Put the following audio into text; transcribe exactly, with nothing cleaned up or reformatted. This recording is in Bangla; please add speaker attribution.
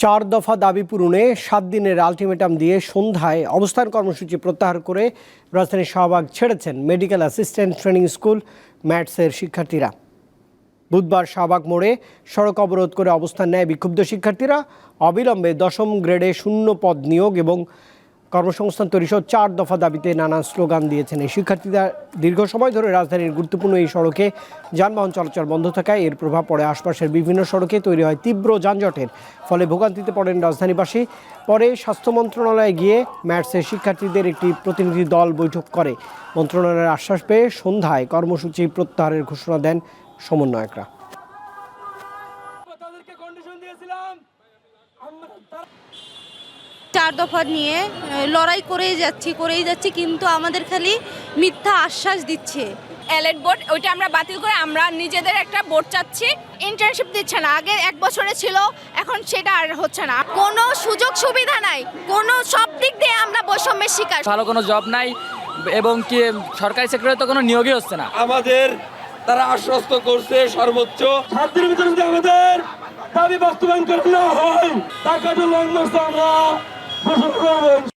Speaker 1: চার দফা দাবি পূরণে সাত দিনের আলটিমেটাম দিয়ে সন্ধ্যায় অবস্থান কর্মসূচি প্রত্যাহার করে রাজধানীর শাহবাগ ছেড়েছেন মেডিকেল অ্যাসিস্ট্যান্ট ট্রেনিং স্কুল ম্যাটসের শিক্ষার্থীরা। বুধবার শাহবাগ মোড়ে সড়ক অবরোধ করে অবস্থান নেয় বিক্ষুব্ধ শিক্ষার্থীরা। অবিলম্বে দশম গ্রেডে শূন্য পদ নিয়োগ এবং কর্মসংস্থান তৈরিসহ চার দফা দাবিতে নানা স্লোগান দিয়েছেন এই শিক্ষার্থীরা। দীর্ঘ সময় ধরে রাজধানীর গুরুত্বপূর্ণ এই সড়কে যানবাহন চলাচল বন্ধ থাকায় এর প্রভাব পড়ে আশপাশের বিভিন্ন সড়কে। তৈরি হয় তীব্র যানজটের ফলে ভোগান্তিতে পড়েন রাজধানীবাসী। পরে স্বাস্থ্য মন্ত্রণালয়ে গিয়ে ম্যাটসের শিক্ষার্থীদের একটি প্রতিনিধি দল বৈঠক করে। মন্ত্রণালয়ের আশ্বাস পেয়ে সন্ধ্যায় কর্মসূচি প্রত্যাহারের ঘোষণা দেন সমন্বয়করা।
Speaker 2: চার দফা নিয়ে লড়াই করেই যাচ্ছি করেই যাচ্ছি কিন্তু আমাদের খালি মিথ্যা আশ্বাস দিচ্ছে।
Speaker 3: এলএড বোর্ড ওইটা আমরা বাতিল করে আমরা নিজেদের একটা বোর্ড চাচ্ছি। ইন্টার্নশিপ দিচ্ছে না, আগে এক বছরে ছিল, এখন সেটা আর হচ্ছে না। কোনো সুযোগ সুবিধা নাই, কোনো সব দিক দিয়ে আমরা বৈষম্যের শিকার।
Speaker 4: ভালো কোনো জব নাই এবং কি সরকারি সেক্টরে তো কোনো নিয়োগই হচ্ছে না।
Speaker 5: আমাদের তারা আশ্বস্ত করছে সর্বোচ্চ সাত দিনের ভিতরে যদি আমাদের দাবি বাস্তবায়ন করে না হয় টাকাটা লং মার্চ আমরা ঘোষণা করবো।